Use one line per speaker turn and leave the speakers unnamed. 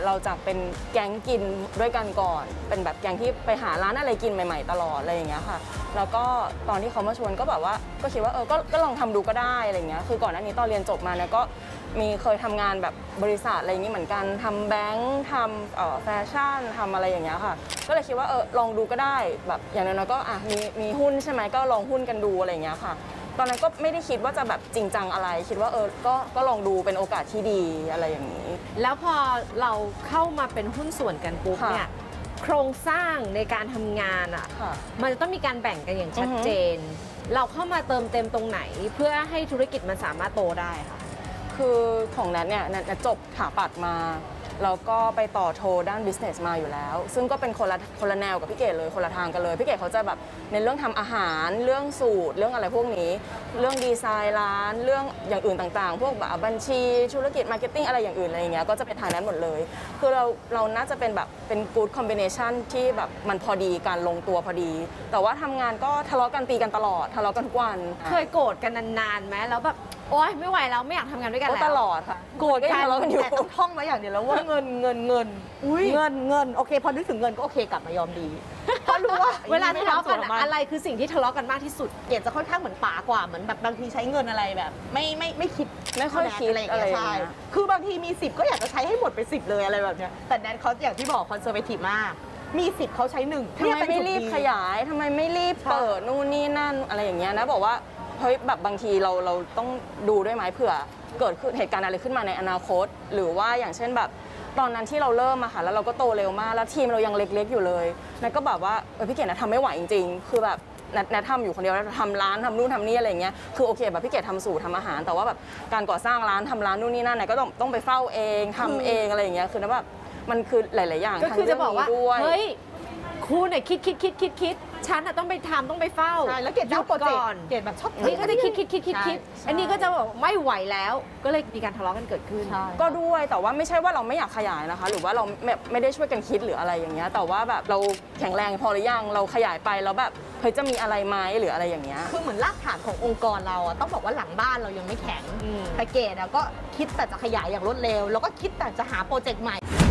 เราจะเป็นแก๊งกินด้วยกันก่อนเป็นแบบแก๊งที่ไปหาร้านอะไรกินใหม่ๆตลอดอะไรอย่างเงี้ยค่ะแล้วก็ตอนที่เขามาชวนก็แบบว่าก็คิดว่าก็ลองทำดูก็ได้อะไรเงี้ยคือก่อนหน้านี้ตอนเรียนจบมาเนี่ยก็มีเคยทำงานแบบบริษัทอะไรอย่างงี้เหมือนกันทำแบงค์ทำแฟชั่นทำอะไรอย่างเงี้ยค่ะก็เลยคิดว่าลองดูก็ได้แบบอย่างน้อยๆก็มีหุ้นใช่ไหมก็ลองหุ้นกันดูอะไรอย่างเงี้ยค่ะตอนนั้นก็ไม่ได้คิดว่าจะแบบจริงจังอะไรคิดว่าก็ลองดูเป็นโอกาสที่ดีอะไรอย่างนี้
แล้วพอเราเข้ามาเป็นหุ้นส่วนกันปุ๊บเนี่ยโครงสร้างในการทำงานอ่ะมันจะต้องมีการแบ่งกันอย่างชัดเจนเราเข้ามาเติมเต็มตรงไหนเพื่อให้ธุรกิจมันสามารถโตได้ค่ะ
คือของนัทเนี่ยนัทจบถาปัดมาแล้วก็ไปต่อโทด้าน business มาอยู่แล้วซึ่งก็เป็นคนละแนวกับพี่เกดเลยคนละทางกันเลยพี่เกดเขาจะแบบในเรื่องทำอาหารเรื่องสูตรเรื่องอะไรพวกนี้เรื่องดีไซน์ร้านเรื่องอย่างอื่นต่างๆพวกแบบบัญชีธุรกิจมาร์เก็ตติ้งอะไรอย่างอื่นอะไรอย่างเงี้ยก็จะเป็นทางนั้นหมดเลยคือเราน่าจะเป็นแบบเป็น good combination ที่แบบมันพอดีการลงตัวพอดีแต่ว่าทำงานก็ทะเลาะกันตีกันตลอดทะเลาะกันทุกวัน
เคยโกรธกันนานๆไหมแล้วแบบโอ๊ยไม่ไหวแล้วไม่อยากทำงานด้วยกันแล้ว
ตลอดค่ะ
โกรธกันแล้วแต่ต้องท่องไว้อย่างเดียวแล้วว่าเงินเงินโอเคพอนึกถึงเงินก็โอเคกลับมายอมดีเพราะรู้ว่า
เวลาทะเลาะกันอะไรคือสิ่งที่ทะเลาะกันมากที่สุด
เกดจะค่อนข้างเหมือนป๋ากว่าเหมือนแบบบางทีใช้เงินอะไรแบบไม่คิด
ไม่ค่อยคิดอะไรอย่างเงี้ยใช่
คือบางทีมี10ก็อยากจะใช้ให้หมดไป10เลยอะไรแบบเนี้ยแต่แนนเขาอย่างที่บอกคอนเซอร์เวทีฟมากมี10เขาใช้1
ทำไมไม่รีบขยายทำไมไม่รีบเปิดนู่นนี่นั่นอะไรอย่างเงี้ยนะบอกว่าเฮ้ยแบบบางทีเราต้องดูด้วยไหมเผื่อเกิดเหตุการณ์อะไรขึ้นมาในอนาคตหรือว่าอย่างเช่นแบบตอนนั้นที่เราเริ่มอะค่ะแล้วเราก็โตเร็วมากแล้วทีมเรายังเล็กๆอยู่เลยนัทก็แบบว่าพี่เกดนะทำไม่ไหวจริงๆคือแบบนัททำอยู่คนเดียวแล้วทำร้านทำนู่นทำนี่อะไรเงี้ยคือโอเคแบบพี่เกดทำสูตรทำอาหารแต่ว่าแบบการก่อสร้างร้านทำร้านนู่นนี่นั่นนัทก็ต้องไปเฝ้าเองทำเองอะไรอย่างเงี้ยคือนัทแบบมันคือหลายๆอย่าง
ก็คือจะบอกว่าเฮ้ยคุณเนี่ยคิดฉันต้องไปทำต้องไปเฝ้า
ใช่แล้วเกดโปรเจกต์เกดแบบชอบ
นี่ก็จะคิดอันนี้ก็จะบอกไม่ไหวแล้วก็เลยมีการทะเลาะกันเกิดขึ้น
ก็ด้วยแต่ว่าไม่ใช่ว่าเราไม่อยากขยายนะคะหรือว่าเราไม่ได้ช่วยกันคิดหรืออะไรอย่างเงี้ยแต่ว่าแบบเราแข็งแรงพอหรือยังเราขยายไปแล้วแบบเฮ้ยจะมีอะไรไหมหรืออะไรอย่างเงี้ย
คือเหมือนรากฐานขององค์กรเราต้องบอกว่าหลังบ้านเรายังไม่แข็งแต่เกดก็คิดแต่จะขยายอย่างรวดเร็วแล้วก็คิดแต่จะหาโปรเจกต์ใหม่